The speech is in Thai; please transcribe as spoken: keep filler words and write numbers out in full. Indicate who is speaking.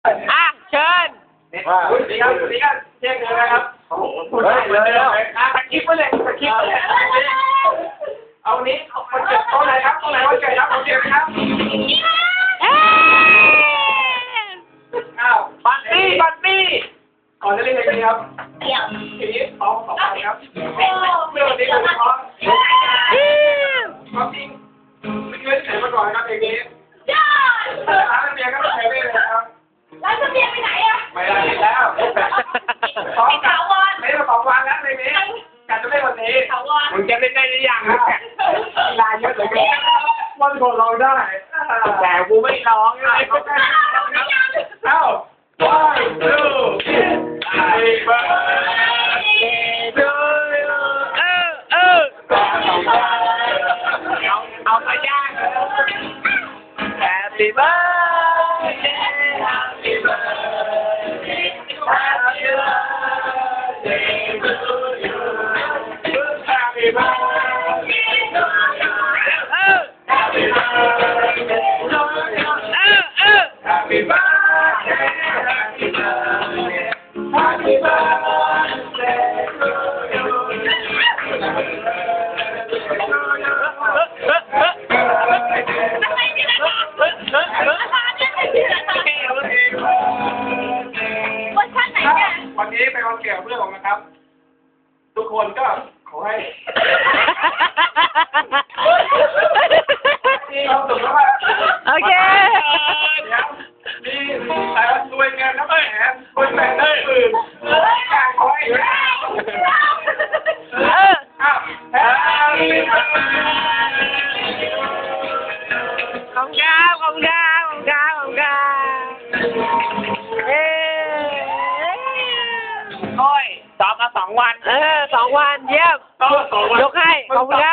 Speaker 1: อ่ะเชิญ
Speaker 2: ว่าดีครับดีครับเที่ยงเลยนะครับเฮ้ยเลยแล้วอ่ะสกิปไปเลยสกิปไปเลยเอานี้คนเก็บโต๊ะไหนครับโต๊ะไหนวันเกิดครับโอเคไหมครับอ้าวบัตตี้บัตตี้ก่อนจะเล่นอะไรครับเดี๋ยวทีนี้สองสองคนครับเรื่องนี้ผมขอความจริงไม่เคยเห็นมาก่อนครับเพลงนี้ร้านเบียร์ก็ไม่เคยเล่นเลยครับ
Speaker 3: ร้านเบียร์ไปไหนอะ
Speaker 2: ไม่ได้แล้วสองถาวรเล่นมาสองวันแล้วเพลงนี้การจะเล่นวันนี้ถาวรมึงจะเล่นได้หรือยังลายเยอะเหลือเกินวันก่อนร้องได้แต่กูไม่ร้องเลยเอ้า one two happy birthday to you
Speaker 1: เออเออ
Speaker 2: เอาไปย่าง Happy birthday Happy birthday Happy birthday to you Happy birthday to you
Speaker 1: เออ
Speaker 2: Happy birthday to you
Speaker 1: เออเออ
Speaker 2: Happy birthday Happy birthday Happy birthday to you วันนี้เป็นวันเกิดเพื่อนผมนะครับทุกคนก็ขอให้มีความสุขมาก
Speaker 1: โอเค
Speaker 2: มีแต่รวยเงินนะแม่คนแต่งได้อื่นการขอให้
Speaker 1: เออ
Speaker 2: อ้าวแฮปปี้เบิร์ด
Speaker 1: ขอบคุณครับขอบคุณครับขอบคุณครับขอบคุณครับเออ
Speaker 2: โอ้ยซ้อมมาสองวัน
Speaker 1: เออสองวันเยี่ยม
Speaker 2: ซ้อมมาสองวัน
Speaker 1: ยกให้ขอบคุณครับ